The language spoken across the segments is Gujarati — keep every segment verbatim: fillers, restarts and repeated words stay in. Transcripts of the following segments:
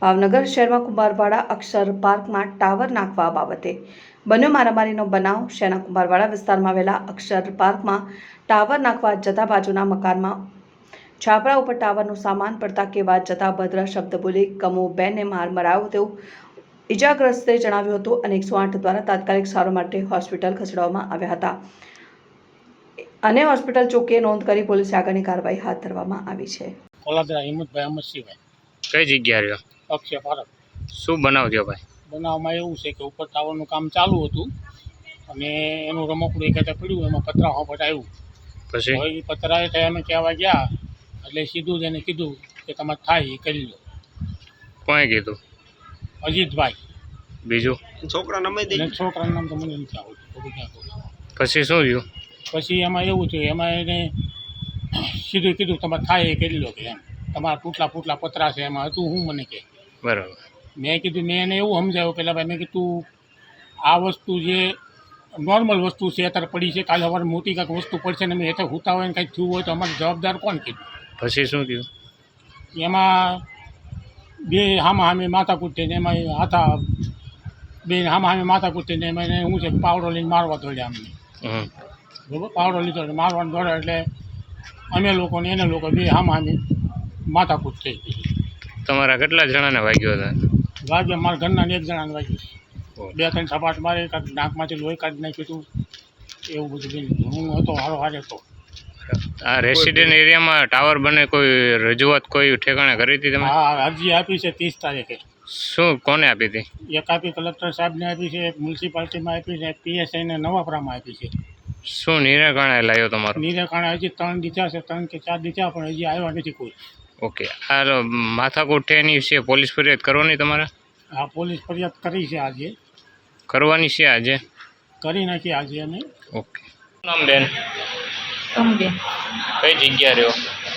ભાવનગર શહેરમાં કુંભારવાડા અક્ષર પાર્કમાં ટાવર નાખવા બાબતે બન્યો મારામારીનો બનાવ। શહેરના કુંભારવાડા વિસ્તારમાં આવેલા અક્ષર પાર્કમાં ટાવર નાખવા જતા બાજુના મકાનમાં છાપરા ઉપર ટાવરનો સામાન પડતા કેવા જતા ભદ્ર શબ્દ બોલી કમુબેનને માર મરાયો તેવું ઇજાગ્રસ્તે જણાવ્યું હતું અને એકસો આઠ દ્વારા તાત્કાલિક સારવાર માટે હોસ્પિટલ ખસેડવામાં આવ્યા હતા અને હોસ્પિટલ ચોકીએ નોંધ કરી પોલીસે આગળની કાર્યવાહી હાથ ધરવામાં આવી છે। કોલાદરા હિંમતભાઈ અમરસિંહભાઈ કઈ જગ્યા રહ્યો? અક્ષય પાર્ક। શું બનાવ થયો ભાઈ? બનાવમાં એવું છે કે ઉપર ટાવરનું કામ ચાલુ હતું અને એનું રમકડું એક હાથે પડ્યું, એમાં પતરા હોપટ આવ્યું। પછી હવે એ પતરાએ થાય અમે કહેવા ગયા એટલે સીધું જ એને કીધું કે તમારે થાય એ કરી લો। કોણે કીધું? અજીતભાઈ। બીજું છોકરા નામ છોકરાનું નામ તો મને નથી આવડતું, બધું ક્યાં કહું। પછી શું થયું? પછી એમાં એવું થયું, એમાં એને સીધું કીધું તમારે થાય એ કરી લો કે એમ, તમારા તૂટલા ફૂટલા પતરા છે એમાં હતું હું મને કહે। બરાબર। મેં કીધું મેં એને એવું સમજાવ્યું પહેલાં ભાઈ, મેં કીધું આ વસ્તુ જે નોર્મલ વસ્તુ છે અત્યારે પડી છે, કાલે અમારે મોટી કાંઈક વસ્તુ પડશે ને અમે હેઠળ હુતા હોય ને કાંઈક થયું હોય તો અમારે જવાબદાર કોણ કીધું? પછી શું થયું? એમાં બે હામા હામે માથા કૂટીને એમાં હાથા બે હામા હામે માથા કૂટીને એમાં એને શું છે પાવડો લઈને મારવા દોડ્યા અમને। હમ બરાબર, પાવડો લીધો એટલે મારવાનું દોડ્યા એટલે અમે લોકો ને એને લોકો બે હામા હામે માથા કૂટ થઈ ગઈ। તમારા કેટલા જણાને વાગ્યો હતા? વાગ્યા મારા ઘરના એક જણાને વાગ્યું, બે ત્રણ સપાટ મારે કાંઈક નાકમાંથી લોહી કાઢી નાખ્યું હતું, એવું બધું બન્યું। હું હતો હારો હારે હતો। આ રેસિડેન્ટ એરિયામાં ટાવર બને કોઈ રજૂઆત કોઈ ઠેકાણે કરી હતી તમે? હા, અરજી આપી છે ત્રીસ તારીખે। શું કોને આપી હતી? એક આપી કલેક્ટર સાહેબને આપી છે, એક મ્યુનિસિપાલિટીમાં આપી છે, પીએસઆઈને નવાપરામાં આપી છે। શું નિરાકરણે લાવ્યો તમારો? નિરાકરણે હજી ત્રણ દીધા છે, ત્રણ કે ચાર દીધા પણ હજી આવ્યા નથી કોઈ। ઓકે, આ માથાકૂટ એની વિશે પોલીસ ફરિયાદ કરવાની તમારે? હા, પોલીસ ફરિયાદ કરી છે, આજે કરવાની છે, આજે કરી નાખી આજે અમે। ઓકે, શું નામ બેન? કમબેન। કઈ જગ્યા રહ્યો?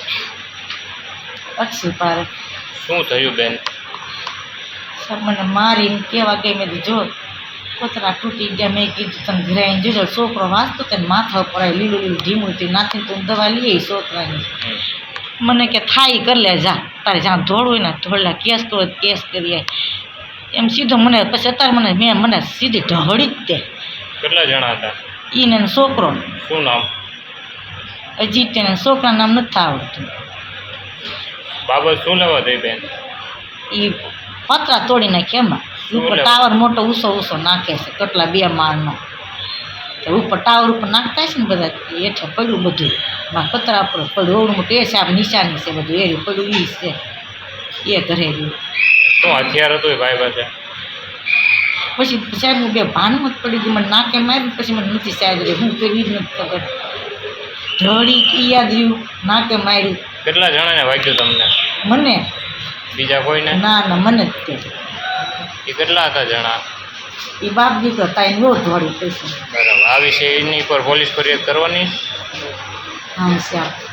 અક્ષય પાર્ક। શું થયું બેન? સર મને મારીને કેવા ગઈ, મેં કીધું જો પતરા તૂટી ગયા, મેં કીધું તને ઘરે આવીને જોજો, છોકરો વાંચતો તેને માથા ઉપર આવી લીલું લીલું ઢીમું હતી નાખીને તું દવા લઈ આવી છોકરાની। મને કે થાય કરી લે, જા તારે જ્યાં ધોળ હોય ને ધોળલા, કેસ કરો કેસ કરીએ એમ સીધો મને। પછી અત્યારે મને મેં મને સીધી ઢહળી જ દે। કેટલા જણા હતા? એને છોકરો શું નામ? હજી તેને છોકરાનું નામ નથી આવડતું। બાબત શું લેવા દઈ બેન? એ પતરા તોડી નાખે એમાં ઉપર ટાવર મોટો ઊંચો ઊંચો નાખે છે, કેટલા બે માળનો ઉપર ટાવર ઉપર નાખતા છે ને બધા, હેઠે પડ્યું બધું માં પતરા ઉપર પડ્યું, ઓવડું મોટું એ છે આપણે નિશાની છે બધું એ પડ્યું એ છે એ ઘરે રહ્યું। શું હથિયાર હતું એ ભાઈ પાસે? પછી સાહેબ હું બે ભાનમાં જ પડી ગઈ, મને નાકે માર્યું પછી મને નથી સાહેબ હું કર્યું જ નથી ખબર, ઢળી ઈ યાદ રહ્યું, નાકે માર્યું। કેટલા જણાને વાગ્યું તમને? મને? બીજા કોઈને? ના ના મને જ તે। એ કેટલા હતા જણા? એ બાપ દીકરો તાઈને નો ધોળી પૈસા। બરાબર, આ વિશે એની પર પોલીસ ફરિયાદ કરવાની? હા શ્યામ।